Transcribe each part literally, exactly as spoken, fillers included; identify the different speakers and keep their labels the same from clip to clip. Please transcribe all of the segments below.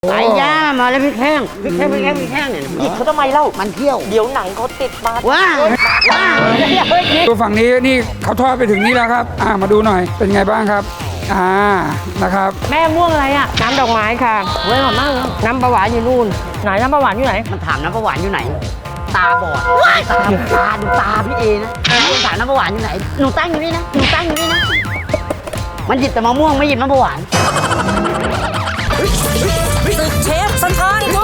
Speaker 1: ไก่ย่างมาแล้วพริกแห้งพริกแห้งพริกแห้งพริกแห้งเนี่ยหยิบเขาทำไมเล่ามันเที่ยวเดี๋ยวหนังเขาติดมาว้าว้า
Speaker 2: ดูฝั่งนี้นี่เขาทอดไปถึงนี่แล้วครับอ่ามาดูหน่อยเป็นไงบ้างครับอ่านะครับ
Speaker 3: แม่ม่วงอะไรอ่ะน้ำดอกไม้ค่ะเว้ยหอมมากเลยน้ำปลาหวานอยู่นู่นไหนน้ำปลาหวานอยู่ไหน
Speaker 1: มันถามน้ำปลาหวานอยู่ไหนตาบอดตาตาดูตาพี่เอนะถามน้ำปลาหวานอยู่ไหนหนูตั้งอยู่นี่นะหนูตั้งอยู่นี่นะมันหยิบแต่มะม่วงไม่หยิบน้ำปลาหวาน
Speaker 3: ศึกเชฟสันทานกู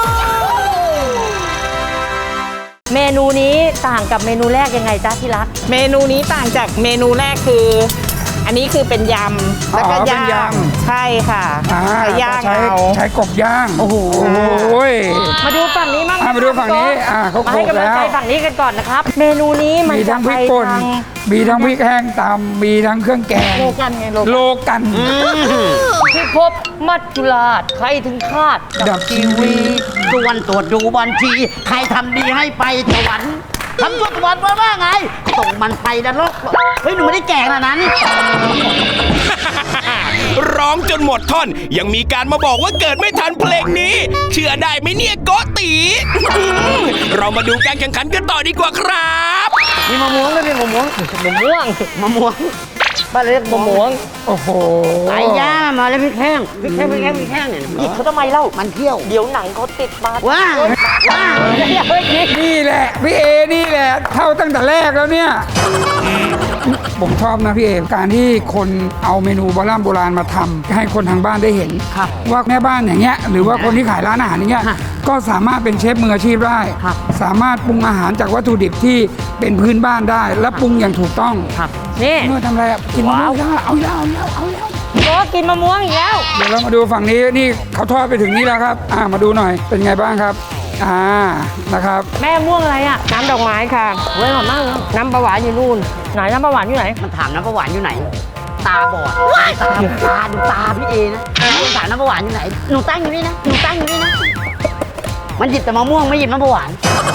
Speaker 3: เมนูนี้ต่างกับเมนูแรกยังไงจ๊ะที่รัก
Speaker 4: เมนูนี้ต่างจากเมนูแรกคืออันนี้คือเป็นยำแล้วก็ย่างใช่ค่ะย่างเอา
Speaker 2: ใช้กบย่างโอ้โห
Speaker 3: มาดูฝั่งนี้มั่ง
Speaker 2: มาดูฝั่งนี้อ่าเขาโขลกแล้ว
Speaker 3: มาให้กำลังใจฝั่งนี้กันก่อนนะครับเมนูนี้มัน
Speaker 2: มีทั้งพริกป่นมีทั้งพริกแห้งตำมีทั้งเครื่องแกง
Speaker 3: โลกันไง
Speaker 2: โลกัน
Speaker 3: พิภพมัจจุราชใครถึงคาด
Speaker 2: ดับทีวี
Speaker 1: ส่วนตรวจดูบัญชีใครทำดีให้ไปสวรรค์ทำตัวสวรรค์ว่าไงส่งมันไปนรกเฮ้ยหนูไม่ได้แก่ขนาดนั้น
Speaker 5: ร้องจนหมดท่อนยังมีการมาบอกว่าเกิดไม่ทันเพลงนี้เชื่อได้ไหมเนี่ยโกตีเรามาดูการแข่งขันกันต่อดีกว่าครับ
Speaker 1: มีมะม่วงด้วยมีมะม่วง
Speaker 3: มะม่วง
Speaker 1: มะม่วงบ้านเรียกมะม่วง
Speaker 2: โอ้โห
Speaker 1: ไก่ย่างมาแล้วพริกแห้งพริกแห้งพริกแห้งพริกแห้งเนี่ยหยิบเขาทำไมเล่ามันเที่ยว
Speaker 3: เดี๋ยวหนังเขาติดมา
Speaker 1: ว้าว้า
Speaker 2: นี่แหละพี่เอนี่แหละเท่าตั้งแต่แรกแล้วเนี่ยผมชอบนะพี่เอการที่คนเอาเมนูโบราณโบราณมาทำให้คนทางบ้านได้เห็นว่าแม่บ้านอย่างเงี้ยหรือว่าคนที่ขายร้านอาหารอย่างเงี้ยก็สามารถเป็นเชฟมืออาชีพได้สามารถปรุงอาหารจากวัตถุดิบที่เป็นพื้นบ้านได้และปรุงอย่างถูกต้อง
Speaker 3: นี่
Speaker 2: เมื่อทำอะไรกินมะม่วงเอาแล้วเอาแล้วเอาแล้ว
Speaker 3: ก็กินมะม่วงอีกแล้ว
Speaker 2: เดี๋ยวเรามาดูฝั่งนี้นี่เขาทอดไปถึงนี่แล้วครับอ่ามาดูหน่อยเป็นไงบ้างครับอ่านะครับ
Speaker 3: แม่ม่วงอะไรอ่ะน้ำดอกไม้ค่ะเว้ยหอมมากเลยน้ำปลาหวานอยู่นู่นไหนน้ำปลาหวานอยู่ไหน
Speaker 1: มันถามน้ำปลาหวานอยู่ไหนตาบอดตาตาดูตาพี่เอนะถามน้ำปลาหวานอยู่ไหนหนูตั้งอยู่นี่นะหนูตั้งอยู่นี่นะมันหยิบแต่มะม่วงไม่หยิบน้ำปลาหวาน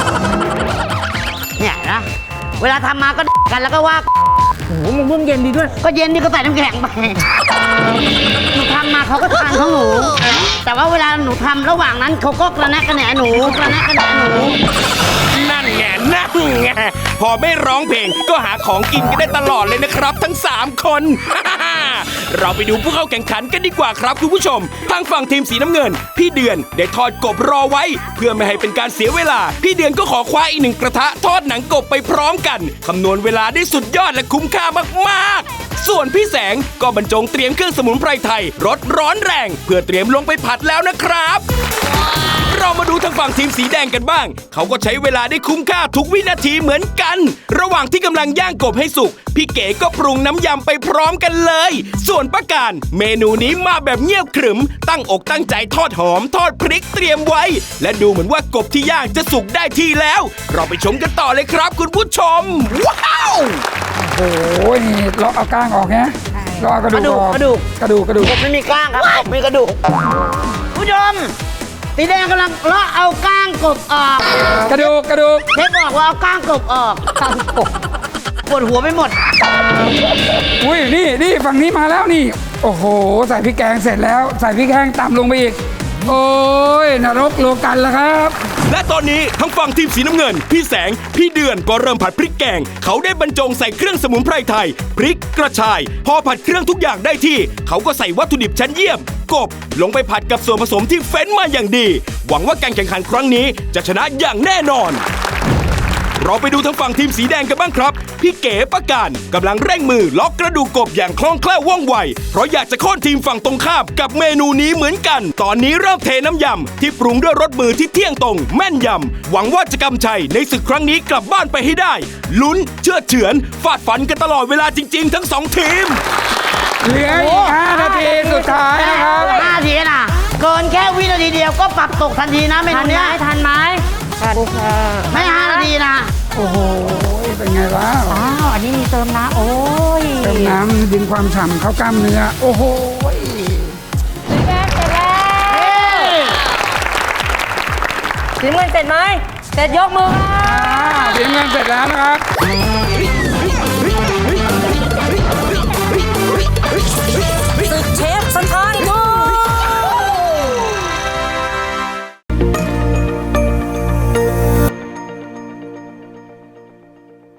Speaker 1: เนี่ยนะเวลาทำมาก็กันแล้วก็ว่า
Speaker 3: โอ้โหมะม่วงเย็นดีด้วย
Speaker 1: ก็เย็นนี่ก็ใส่น้ำแข็งไปหนูทำมาเขาก็ทานของหนูแต่ว่าเวลาหนูทำระหว่างนั้นเขาก็กระแนะกระแหนหนูกระแนะกระแหนหนู
Speaker 5: นั่นไงนั่นไงพอไม่ร้องเพลงก็หาของกินกันได้ตลอดเลยนะครับทั้งสามคนเราไปดูผู้เข้าแข่งขันกันดีกว่าครับคุณผู้ชมทางฝั่งทีมสีน้ำเงินพี่เดือนได้ทอดกบรอไว้เพื่อไม่ให้เป็นการเสียเวลาพี่เดือนก็ขอคว้าอีกหนึ่งกระทะทอดหนังกบไปพร้อมกันคำนวณเวลาได้สุดยอดและคุ้มค่ามากๆส่วนพี่แสงก็บรรจงเตรียมเครื่องสมุนไพรไทยรสร้อนแรงเพื่อเตรียมลงไปผัดแล้วนะครับเรามาดูทางฝั่งทีมสีแดงกันบ้างเขาก็ใช้เวลาได้คุ้มค่าทุกวินาทีเหมือนกันระหว่างที่กำลังย่างกบให้สุกพี่เก๋ก็ปรุงน้ำยำไปพร้อมกันเลยส่วนป้าการเมนูนี้มาแบบเงียบขรึมตั้งอกตั้งใจทอดหอมทอดพริกเตรียมไว้และดูเหมือนว่ากบที่ย่างจะสุกได้ที่แล้วเราไปชมกันต่อเลยครับคุณผู้ชมว้าว
Speaker 2: โอ้โหนี่เราเอาก้างออกนะเราเอากระดูก
Speaker 1: กระดูก
Speaker 2: กระดูกกระดูก
Speaker 1: กบไม่มีก้างครับกบมีกระดูกผู้ชมสีแดงกำลังเลาะเอาก้างกบออก
Speaker 2: กระดูกกระดูก
Speaker 1: เชฟบอกว่าเอาก้างกบออกก้างกบปวดหัวไปหมด
Speaker 2: อุ้ยนี่นี่ฝั่งนี้มาแล้วนี่โอ้โหใส่พริกแกงเสร็จแล้วใส่พริกแห้งตำลงไปอีกโอ้ยนรกโลกันแล้วครับ
Speaker 5: และตอนนี้ทั้งฝั่งทีมสีน้ำเงินพี่แสงพี่เดือนก็เริ่มผัดพริกแกงเขาได้บรรจงใส่เครื่องสมุนไพรไทยพริกกระชายพอผัดเครื่องทุกอย่างได้ที่เขาก็ใส่วัตถุดิบชั้นเยี่ยมกบลงไปผัดกับส่วนผสมที่เฟ้นมาอย่างดีหวังว่าการแข่งขันครั้งนี้จะชนะอย่างแน่นอนเราไปดูทางฝั่งทีมสีแดงกันบ้างครับพี่เก๋ประการกำลังเร่งมือล็อกกระดูกกบอย่างคล่องแคล่วว่องไวเพราะอยากจะโค่นทีมฝั่งตรงข้ามกับเมนูนี้เหมือนกันตอนนี้เริ่มเทน้ำยำที่ปรุงด้วยรสมือที่เที่ยงตรงแม่นยำหวังว่าจะกำชัยในศึกครั้งนี้กลับบ้านไปให้ได้ลุ้นเชื่อเฉือนฟาดฟันกันตลอดเวลาจริงๆทั้งสองทีม
Speaker 2: เหลืออีกห้านาทีสุดท้ายนะครับ
Speaker 1: ห้านาทีนะเกินแค่วินาทีเดียวก็ปรับตกทันทีนะเมนูนี้
Speaker 3: ทันไหมทันค่ะ
Speaker 1: ไม่ห้านาทีนะ
Speaker 2: โอ้โหเป็นไงวะ
Speaker 3: อ้าวอันนี้มีเติมน้ำโอ้ย
Speaker 2: เติมน้ำดึงความฉ่ำเข้ากล้ามเนื้อโอ้โห
Speaker 3: สีแดงเสร็จแล้วสีเงินเสร็จไหมเสร็จยกมือ
Speaker 2: สีเงินเสร็จแล้วนะครับ
Speaker 3: ศึกเชฟสันทานกู